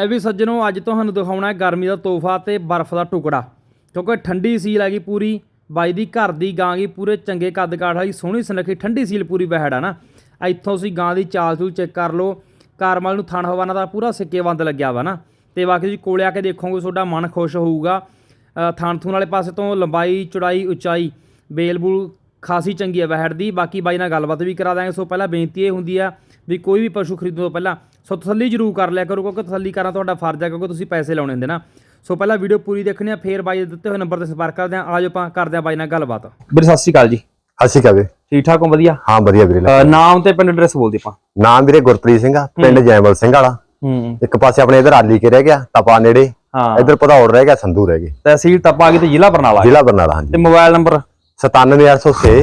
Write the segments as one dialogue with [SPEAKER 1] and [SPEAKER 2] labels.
[SPEAKER 1] भी सज्जनों अज तुहानूं दिखाउणा है गर्मी का तोहफा ते बर्फ का टुकड़ा, क्योंकि ठंडी सील हैगी पूरी। बाई दी घर दी गां गी पूरे चंगे कद काठ वाली सोहनी सुनखी ठंडी सील पूरी वैड़ है ना। इत्थों तुसीं गां दी चाल चूल चेक कर लो। कारमल नूं थण हवाना दा पूरा सिक्केबंद लग्या वा ना। ते बाकी तुसीं कोले आके देखोगे तुहाडा मन खुश होऊगा। थण थूण वाले पासे तो लंबाई चौड़ाई उचाई बेल बूल खासी चंगी है वैड़ दी। बाकी बाई नाल गलबात भी करा देंगे। सो पहला बेनती ये हुंदी है भी कोई भी पशु खरीदण तो पहला सो तसल्ली जरूर कर लिया करो, क्योंकि तसल्ली करना तुहाडा फर्ज है, क्योंकि तुसीं पैसे लाउणे हुंदे ना। सो पहला वीडियो पूरी देखनी है, फिर बाई दिते हुए नंबर से संपर्क करते हैं। आज आपां करदे हां बाई नाल गलबात। वीर सत श्री अकाल जी।
[SPEAKER 2] सत श्री अकाल।
[SPEAKER 1] ठीक ठाक हो? वधिया।
[SPEAKER 2] हाँ वधिया वीरे।
[SPEAKER 1] नाम ते पिंड एड्रैस बोल दे आपां।
[SPEAKER 2] नाम वीरे गुरप्रीत सिंह, पिंड जैमल सिंह वाला। एक पासे अपने इधर आली के रह गया तपा नेड़े, इधर भदौड़ रह गया, संधू रह गई।
[SPEAKER 1] तहसील तपा आ गई ते जिला बरनाला।
[SPEAKER 2] जिला बरनाला। हाँ जी।
[SPEAKER 1] ते मोबाइल नंबर
[SPEAKER 2] 97806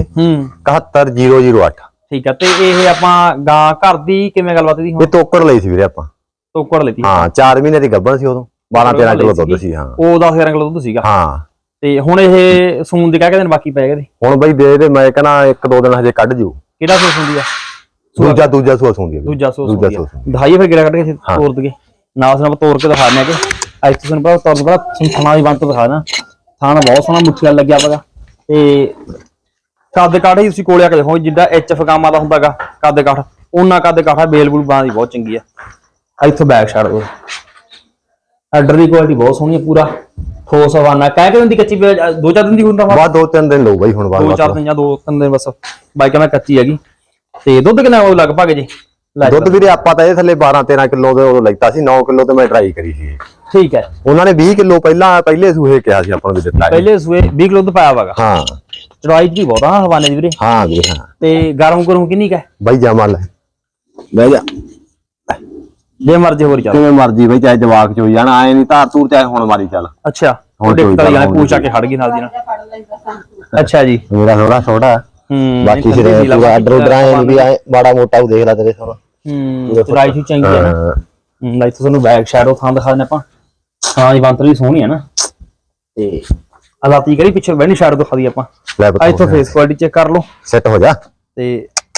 [SPEAKER 2] 71008।
[SPEAKER 1] ठीक है। ते ये आपां गां घर दी किवें गलबात दी?
[SPEAKER 2] ये तोकड़ ਲਈ ਸੀ ਵੀਰੇ ਆਪਾਂ।
[SPEAKER 1] ਤੋਕੜ ਲਈ?
[SPEAKER 2] ਹਾਂ 4 ਮਹੀਨੇ ਦੀ ਗੱਭਣ ਸੀ ਉਦੋਂ। 12-13 ਕਿਲੋ ਦੁੱਧ ਸੀ। ਹਾਂ
[SPEAKER 1] ਉਹ 10-11 ਕਿਲੋ ਦੁੱਧ ਸੀਗਾ।
[SPEAKER 2] ਹਾਂ
[SPEAKER 1] ਤੇ ਹੁਣ ਇਹ ਸੂਣ ਦੇ ਕਹਿ ਕੇ ਦਿਨ ਬਾਕੀ ਪੈ ਗਏ।
[SPEAKER 2] ਹੁਣ ਬਈ ਦੇ ਦੇ ਮੈਂ ਕਹਿੰਦਾ 1-2 ਦਿਨ ਹਜੇ ਕੱਢ ਜੂ।
[SPEAKER 1] ਕਿਹੜਾ ਸੂਸ ਹੁੰਦੀ ਆ?
[SPEAKER 2] ਦੂਜਾ ਸੂਸ ਹੁੰਦੀ ਆ।
[SPEAKER 1] ਦੂਜਾ ਸੂਸ ਦਿਖਾਈਏ ਫਿਰ ਕਿਹੜਾ ਕੱਢ ਕੇ ਤੋੜ ਦਈਏ ਨਾਲ ਉਸ ਨਾਲ ਤੋੜ ਕੇ ਦਿਖਾਣੇ ਕਿ ਅੱਜ ਤੁਸੀਂ ਪਤਾ ਤੋੜ ਬੜਾ ਥਾਣਾ ਦੀ ਬੰਦ ਤੋਂ ਦਿਖਾਣਾ। ਥਾਣਾ ਬਹੁਤ ਸੋਹਣਾ ਮੁੱਠੀਆਂ ਲੱਗਿਆ ਪਗਾ ਤੇ ਕੱਦ ਕਾਠ ਹੀ ਤੁਸੀਂ ਕੋਲੇ ਆ ਕੇ ਦੇਖੋ ਜਿੱਦਾਂ ਐਚਐਫ ਗਾਮਾਂ ਦਾ ਹੁੰਦਾਗਾ ਕੱਦ ਕਾਠ ਉਹਨਾਂ ਕੱਦ ਕਾਠਾ ਬੇਲ ਬੂਲ ਬਾਂ ਦੀ ਬਹੁਤ ਚੰਗੀ ਆ। ਇੱਥੋਂ ਬੈਕ ਛੱਡ ਦੋ। ਆਰਡਰ ਦੀ ਕੁਆਲਿਟੀ ਬਹੁਤ ਸੋਹਣੀ ਹੈ, ਪੂਰਾ ਠੋਸ ਹਵਾਨਾ। ਕਹਿ ਕੇ ਦਿੰਦੀ ਕੱਚੀ 2-4 ਦਿਨ ਦੀ ਹੁੰਦਾ
[SPEAKER 2] ਬਾਅਦ 2-3 ਦਿਨ ਲਓ ਬਾਈ। ਹੁਣ ਬਾਅਦ
[SPEAKER 1] 2-4 ਦਿਨ ਜਾਂ 2-3 ਦਿਨ ਬਸ। ਬਾਈ ਕਹਿੰਦਾ ਕੱਚੀ ਹੈਗੀ। ਤੇ ਦੁੱਧ ਕਿੰਨਾ ਉਹ ਲਗਭਗ ਜੀ?
[SPEAKER 2] ਦੁੱਧ ਵੀਰੇ ਆਪਾਂ ਤਾਂ ਇਹ ਥੱਲੇ 12-13 ਕਿਲੋ ਦੇ ਉਦੋਂ ਲੈਤਾ ਸੀ। 9 ਕਿਲੋ ਤੇ ਮੈਂ ਟਰਾਈ ਕਰੀ ਸੀ।
[SPEAKER 1] ਠੀਕ ਹੈ।
[SPEAKER 2] ਉਹਨਾਂ ਨੇ 20 ਕਿਲੋ ਪਹਿਲੇ ਸੂਹੇ ਕਿਹਾ ਸੀ ਆਪਾਂ ਨੂੰ ਵੀ ਦਿੱਤਾ।
[SPEAKER 1] ਪਹਿਲੇ ਸੂਏ 20 ਕਿਲੋ ਦੁੱਧ ਪਾਇਆ ਵਾਗਾ।
[SPEAKER 2] ਹਾਂ
[SPEAKER 1] ਚੜਾਈ ਜੀ ਬਹੁਤ ਆ ਹਵਾਨੇ ਦੀ ਵੀਰੇ।
[SPEAKER 2] ਹਾਂ ਵੀਰੇ। ਹਾਂ
[SPEAKER 1] ਤੇ ਗਰਮ ਕਿੰਨੀ ਕਾ
[SPEAKER 2] ਬਾਈ ਜਮਲ ਬਹਿ ਜਾ
[SPEAKER 1] ਜੇ ਮਰਜ਼ੀ ਹੋਰ ਚੱਲ
[SPEAKER 2] ਕਿਵੇਂ ਮਰਜ਼ੀ ਬਈ, ਚਾਹੇ ਜਵਾਕ ਚ ਹੋਈ ਜਾਣਾ ਆਏ ਨਹੀਂ ਧਾਰ ਤੂਰ ਚਾਹੇ ਹੁਣ ਮਾਰੀ ਚੱਲ।
[SPEAKER 1] ਅੱਛਾ ਹੁਣ ਦੇਖਤਾ ਜਾਣਾ ਪੂਛ ਆ ਕੇ ਖੜ ਗਈ ਨਾਲ ਦੀ ਨਾਲ। ਅੱਛਾ ਜੀ।
[SPEAKER 2] ਮੇਰਾ ਥੋੜਾ ਛੋਟਾ ਬਾਕੀ ਸਿਰੇ ਪੂਰਾ ਆਰਡਰ ਉਧਰ ਆਏ ਨਹੀਂ ਵੀ ਮਾੜਾ ਮੋਟਾ ਉਹ ਦੇਖ ਲੈ ਤੇਰੇ ਸਾਰਾ।
[SPEAKER 1] ਚੜਾਈ ਜੀ ਚੰਗੀ ਹੈ ਨਾ। ਲਾਈਕ ਤੁਹਾਨੂੰ ਬੈਕ ਸ਼ੈਡੋ ਥਾਂ ਦਿਖਾ ਦਿੰਦੇ ਆਪਾਂ। ਹਾਂ ਜੀ ਬੰਤਰ ਵੀ ਸੋਹਣੀ ਹੈ ਨਾ। ਤੇ ਹਾਲਾਤੀ ਕਰੀ ਪਿੱਛੇ ਬੈਣੀ ਸ਼ੈਡੋ ਦਿਖਾ ਦੀ ਆਪਾਂ। ਇੱਥੋਂ ਫੇਸ ਕੁਆਲਿਟੀ ਚੈੱਕ ਕਰ ਲਓ।
[SPEAKER 2] ਸੈੱਟ ਹੋ ਜਾ।
[SPEAKER 1] ਤੇ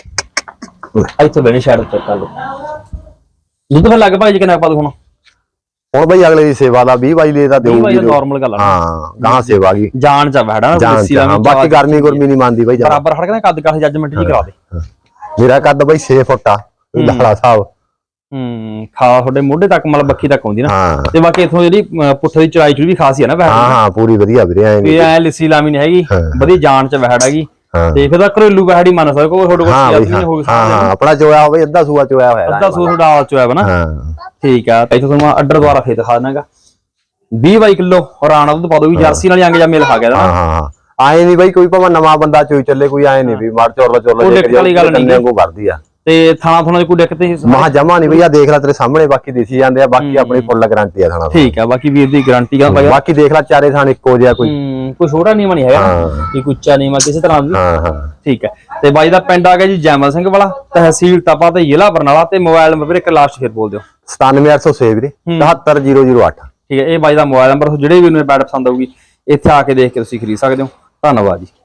[SPEAKER 1] ਇੱਥੋਂ ਬੈਣੀ ਸ਼ੈਡੋ ਚੈੱਕ ਕਰ ਲਓ। ਦੁੱਧ ਫਿਰ ਲੱਗ ਭਾਈ ਜੀ ਕਿੰਨਾ ਪਾ ਦੂ ਹੁਣ
[SPEAKER 2] ਬਈ ਅਗਲੇ ਦੀ ਸੇਵਾ ਦਾ 20-22 ਲੇ ਦਾ ਦੇਊਗੀ।
[SPEAKER 1] ਨਾਰਮਲ ਗੱਲ ਆ।
[SPEAKER 2] ਹਾਂ ਗਾਂ ਸੇਵਾ ਗਈ
[SPEAKER 1] ਜਾਨ ਚ ਵੜਾ ਨਾ।
[SPEAKER 2] ਬਾਕੀ ਗਰਮੀ ਗੁਰਮੀ ਨਹੀਂ ਮੰਨਦੀ ਬਈ।
[SPEAKER 1] ਬਰਾਬਰ ਖੜ ਕੇ ਕੱਦ ਕਾਠ ਜੱਜਮੈਂਟ ਜੀ ਕਰਾ ਦੇ।
[SPEAKER 2] ਮੇਰਾ ਕੱਦ ਬਈ 6 ਫੁੱਟ ਆ ਲਾਲਾ ਸਾਹਿਬ।
[SPEAKER 1] ਖਾ ਤੁਹਾਡੇ ਮੋਢੇ ਤੱਕ ਮਤਲਬ ਬੱਖੀ ਤੱਕ ਆਉਂਦੀ ਨਾ। ਤੇ ਬਾਕੀ ਇਥੋਂ ਜਿਹੜੀ ਪੁੱਠੇ ਦੀ ਚੜਾਈ ਚ ਵੀ ਖਾਸੀ ਆ ਨਾ ਵੈੜ।
[SPEAKER 2] ਹਾਂ ਪੂਰੀ ਵਧੀਆ ਵੀਰੇ।
[SPEAKER 1] ਐ ਲਿੱਸੀ ਲਾਮੀ ਨਹੀਂ ਹੈਗੀ, ਵਧੀਆ ਜਾਨ ਚ ਵੈੜ ਹੈਗੀ। ਤੇ ਫਿਰ ਤਾਂ ਘਰੇਲੂ ਵੈੜ ਹੀ ਮੰਨ ਸਕਦੇ ਕੋਈ ਤੁਹਾਡੇ ਕੋਲ ਹੋ ਸਕਦਾ।
[SPEAKER 2] ਹਾਂ ਆਪਣਾ ਚੋਇਆ ਹੋਵੇ ਅੱਧਾ ਸੂਆ ਚੋਇਆ ਹੋਇਆ।
[SPEAKER 1] ਅੱਧਾ ਸੂਆ ਤੁਹਾਡਾ ਆਲ ਚੋਇਆ ਵਾ ਨਾ। ਠੀਕ ਆ। ਇੱਥੋਂ ਤੁਹਾਨੂੰ ਆਰਡਰ ਦੁਆਰਾ ਫੇਰ ਦਿਖਾ ਦਿੰਦਾਗਾ। 20-22 ਕਿਲੋ ਹਰਾਣਾ ਦੁੱਧ ਪਾ ਦੋ ਵੀ ਜਰਸੀ ਨਾਲ ਅੰਗ ਜਾਂ ਮੇਲ ਖਾ ਗਿਆ।
[SPEAKER 2] ਹਾਂ ਆਏ ਨਹੀਂ ਬਈ ਕੋਈ ਭਾਵੇਂ ਨਵਾਂ ਬੰਦਾ ਚੋਈ ਚੱਲੇ ਕੋਈ ਆਏ ਨਹੀਂ ਵੀ ਮਾਰ ਚੋਰਲਾ
[SPEAKER 1] ਵਾਲੀ ਗੱਲ ਨਹੀਂ
[SPEAKER 2] ਕੋ ਕਰਦੀ ਆ।
[SPEAKER 1] ਤੇ ਥਾਣਾ ਥੋਣਾ ਦੀ ਕੋਈ ਦਿੱਕਤ ਨਹੀਂ
[SPEAKER 2] ਮਹਾ ਜਮਾ ਨਹੀਂ ਬਈ। ਆ ਦੇਖ ਲੈ ਤੇਰੇ ਸਾਹਮਣੇ ਬਾਕੀ ਦੇਸੀ ਜਾਂਦੇ ਆ। ਬਾਕੀ ਆਪਣੀ ਫੁੱਲ ਗਾਰੰਟੀ ਆ ਥਾਣਾ।
[SPEAKER 1] ਠੀਕ ਆ। ਬਾਕੀ ਵੀਰ ਦੀ ਗਾਰੰਟੀ ਆ।
[SPEAKER 2] ਬਾਕੀ ਦੇਖ ਲੈ ਚਾਰੇ ਥਾਣ ਇੱਕੋ ਜਿਹਾ ਕੋਈ
[SPEAKER 1] ਛੋਟਾ ਨੀਵਾਂ ਨਹੀਂ ਹੈਗਾ, ਕੋਈ ਉੱਚਾ ਨੀਵਾਂ ਕਿਸੇ ਤਰ੍ਹਾਂ ਦੀ। ਠੀਕ ਹੈ। ਤੇ ਬਾਈ ਦਾ ਪਿੰਡ ਆ ਗਿਆ ਜੀ ਜੈਮਲ ਸਿੰਘ ਵਾਲਾ, ਤਹਿਸੀਲ ਤਪਾ ਤੇ ਜ਼ਿਲ੍ਹਾ ਬਰਨਾਲਾ। ਤੇ ਮੋਬਾਈਲ ਨੰਬਰ ਇੱਕ ਲਾਸਟ ਫਿਰ ਬੋਲ ਦਿਓ।
[SPEAKER 2] 97806 ਵੀਰੇ 71008।
[SPEAKER 1] ਠੀਕ ਹੈ। ਇਹ ਬਾਈ ਦਾ ਮੋਬਾਈਲ ਨੰਬਰ ਜਿਹੜੇ ਵੀ ਨੂੰ ਬੈਡ ਪਸੰਦ ਆਊਗੀ ਇੱਥੇ ਆ ਕੇ ਦੇਖ ਕੇ ਤੁਸੀਂ ਖਰੀਦ ਸਕਦੇ ਹੋ। ਧੰਨਵਾਦ ਜੀ।